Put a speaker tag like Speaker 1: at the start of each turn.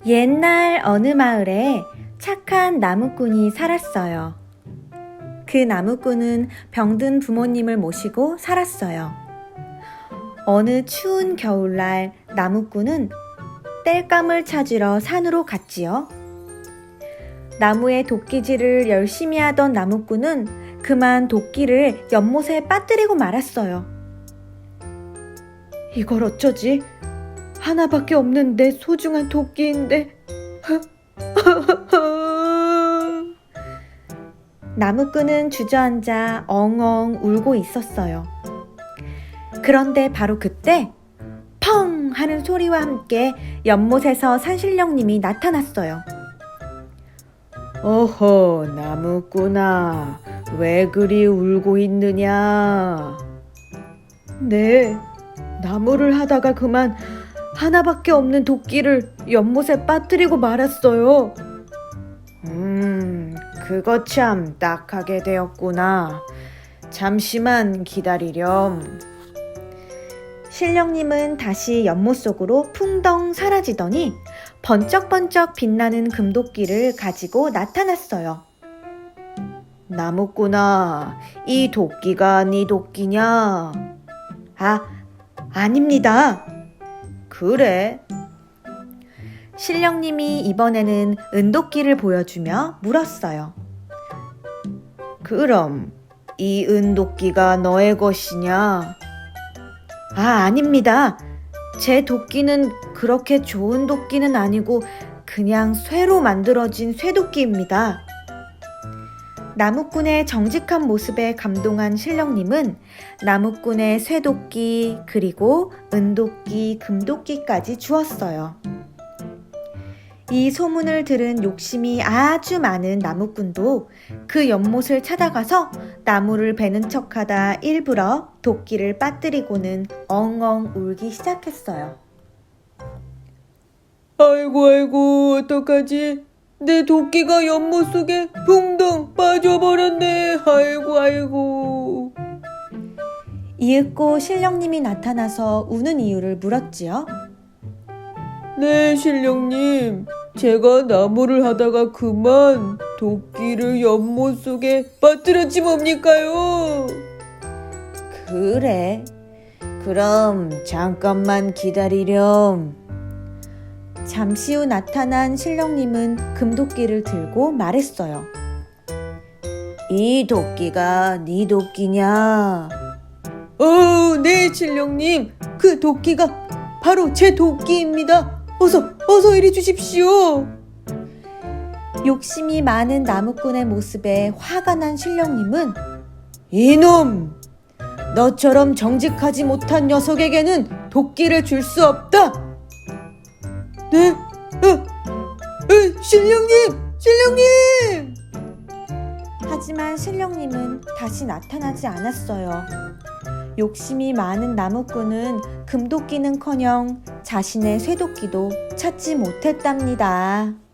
Speaker 1: 옛날 어느 마을에 착한 나무꾼이 살았어요. 그 나무꾼은 병든 부모님을 모시고 살았어요. 어느 추운 겨울날 나무꾼은 땔감을 찾으러 산으로 갔지요. 나무에 도끼질을 열심히 하던 나무꾼은 그만 도끼를 연못에 빠뜨리고 말았어요. 이걸 어쩌지? 하나밖에 없는 내 소중한 도끼인데. 나무꾼은 주저앉아 엉엉 울고 있었어요. 그런데 바로 그때 펑 하는 소리와 함께 연못에서 산신령님이 나타났어요. 어허, 나무꾼아, 왜 그리 울고 있느냐? 네, 나무를 하다가 그만 하나밖에 없는 도끼를 연못에 빠뜨리고 말았어요. 그거 참 딱하게 되었구나. 잠시만 기다리렴. 신령님은 다시 연못 속으로 풍덩 사라지더니 번쩍번쩍 빛나는 금도끼를 가지고 나타났어요. 나무꾼아, 이 도끼가 네 도끼냐? 아닙니다. 그래? 신령님이 이번에는 은도끼를 보여주며 물었어요. 그럼 이 은도끼가 너의 것이냐? 아닙니다. 제 도끼는 그렇게 좋은 도끼는 아니고 그냥 쇠로 만들어진 쇠도끼입니다. 나무꾼의 정직한 모습에 감동한 신령님은 나무꾼의 쇠도끼 그리고 은도끼, 금도끼까지 주었어요. 이 소문을 들은 욕심이 아주 많은 나무꾼도 그 연못을 찾아가서 나무를 베는 척하다 일부러 도끼를 빠뜨리고는 엉엉 울기 시작했어요.
Speaker 2: 아이고, 어떡하지? 내 도끼가 연못 속에 붕덩 빠져버렸네. 아이고.
Speaker 1: 이윽고 신령님이 나타나서 우는 이유를 물었지요.
Speaker 2: 네, 신령님. 제가 나무를 하다가 그만 도끼를 연못 속에 빠뜨렸지 뭡니까요?
Speaker 1: 그래. 그럼 잠깐만 기다리렴. 잠시 후 나타난 신령님은 금도끼를 들고 말했어요. 이 도끼가 네 도끼냐?
Speaker 2: 네, 신령님. 그 도끼가 바로 제 도끼입니다. 어서 이리 주십시오.
Speaker 1: 욕심이 많은 나무꾼의 모습에 화가 난 신령님은
Speaker 2: 이놈! 너처럼 정직하지 못한 녀석에게는 도끼를 줄 수 없다. 네? 신령님!
Speaker 1: 하지만 신령님은 다시 나타나지 않았어요. 욕심이 많은 나무꾼은 금도끼는커녕 자신의 쇠도끼도 찾지 못했답니다.